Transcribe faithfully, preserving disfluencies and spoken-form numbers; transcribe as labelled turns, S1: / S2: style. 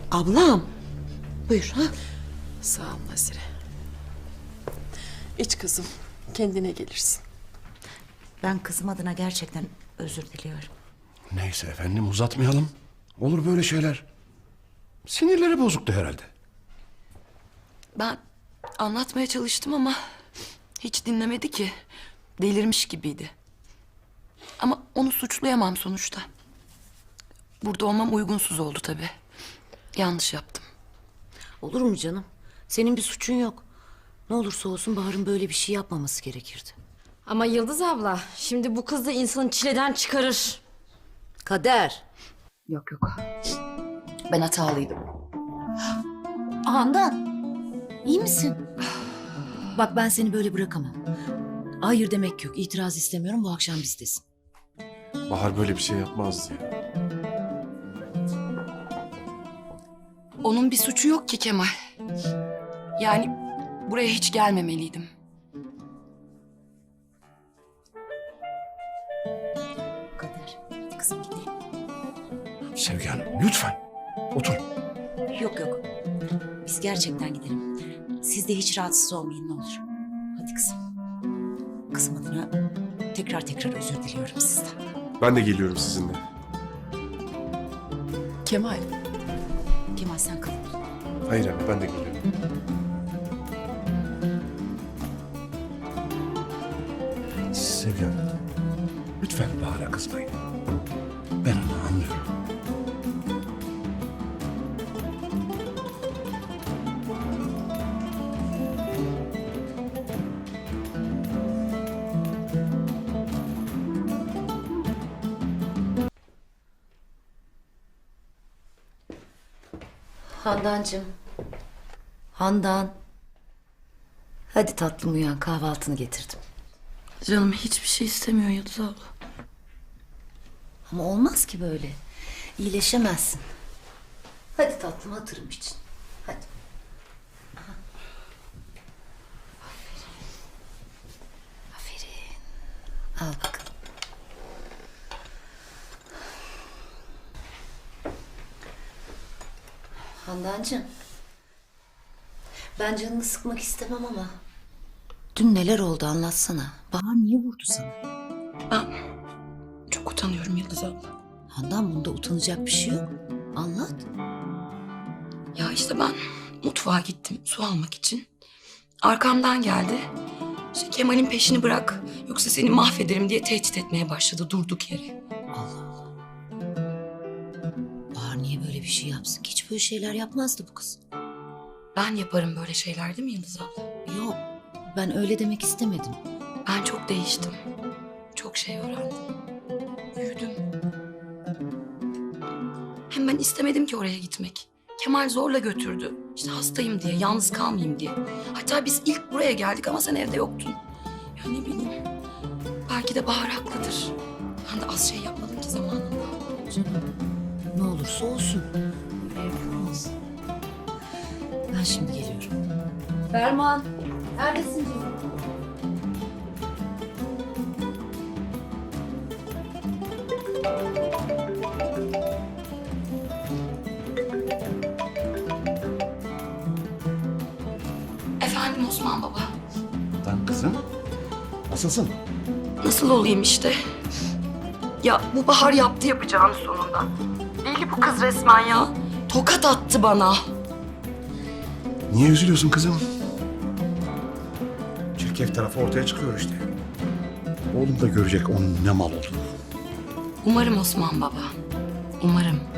S1: Ablam. Buyur ha.
S2: Sağ ol Nazire. İç kızım, kendine gelirsin.
S3: Ben kızım adına gerçekten özür diliyorum.
S4: Neyse efendim uzatmayalım. Olur böyle şeyler. Sinirleri bozuktu herhalde.
S5: Ben anlatmaya çalıştım ama hiç dinlemedi ki. Delirmiş gibiydi. Ama onu suçlayamam sonuçta. Burada olmam uygunsuz oldu tabii. Yanlış yaptım.
S3: Olur mu canım? Senin bir suçun yok. Ne olursa olsun Bahar'ın böyle bir şey yapmaması gerekirdi.
S6: Ama Yıldız abla, şimdi bu kız da insanı çileden çıkarır.
S3: Kader.
S5: Yok yok. Ben hatalıydım.
S3: Handan. İyi misin? Bak ben seni böyle bırakamam. Hayır demek yok. İtiraz istemiyorum. Bu akşam bizdesin.
S7: Bahar böyle bir şey yapmazdı ya.
S5: Onun bir suçu yok ki Kemal. Yani buraya hiç gelmemeliydim.
S3: Kader. Hadi kızım gidelim.
S4: Sevgi Hanım lütfen. Otur.
S3: Yok yok. Biz gerçekten gidelim. Siz de hiç rahatsız olmayın ne olur. Hadi kızım. Kızım adına tekrar tekrar özür diliyorum sizden.
S7: Ben de geliyorum sizinle.
S2: Kemal,
S3: Kemal sen kal.
S7: Hayır anne ben de geliyorum.
S4: Sevgi Hanım. Lütfen Bahar'a kızmayın. Ben onu anlıyorum.
S3: Handancığım. Handan. Hadi tatlım uyan kahvaltını getirdim.
S5: Canım hiçbir şey istemiyor Yıldız abla.
S3: Ama olmaz ki böyle. İyileşemezsin. Hadi tatlım hatırım için. Hadi. Aha. Aferin. Aferin. Al bakalım. Handancığım. Ben canını sıkmak istemem ama. Dün neler oldu anlatsana. Bahar niye vurdu sana?
S5: Ben çok utanıyorum Yıldız abla.
S3: Handan bunda utanacak bir şey yok. Anlat.
S5: Ya işte ben mutfağa gittim su almak için. Arkamdan geldi. İşte Kemal'in peşini bırak yoksa seni mahvederim diye tehdit etmeye başladı durduk yere.
S3: Allah Allah. Bahar niye böyle bir şey yapsın ki? Hiç böyle şeyler yapmazdı bu kız.
S5: Ben yaparım böyle şeyler değil mi Yıldız abla?
S3: Yok. Ben öyle demek istemedim.
S5: Ben çok değiştim. Çok şey öğrendim. Büyüdüm. Hem ben istemedim ki oraya gitmek. Kemal zorla götürdü. İşte hastayım diye, yalnız kalmayayım diye. Hatta biz ilk buraya geldik ama sen evde yoktun. Ya ne bileyim. Belki de Bahar haklıdır. Ben de az şey yapmadım ki zamanında.
S3: Canım ne olursa olsun. Böyle yapılmaz. Ben şimdi geliyorum.
S6: Ferman, neredesin canım?
S5: Efendim Osman Baba.
S4: Lan kızım. Nasılsın?
S5: Nasıl olayım işte? Ya bu Bahar yaptı yapacağını sonunda. Deli bu kız resmen ya. Tokat attı bana.
S4: Niye üzülüyorsun kızım? Çirkef tarafı ortaya çıkıyor işte. Oğlum da görecek onun ne mal olduğunu.
S5: Umarım Osman Baba. Umarım.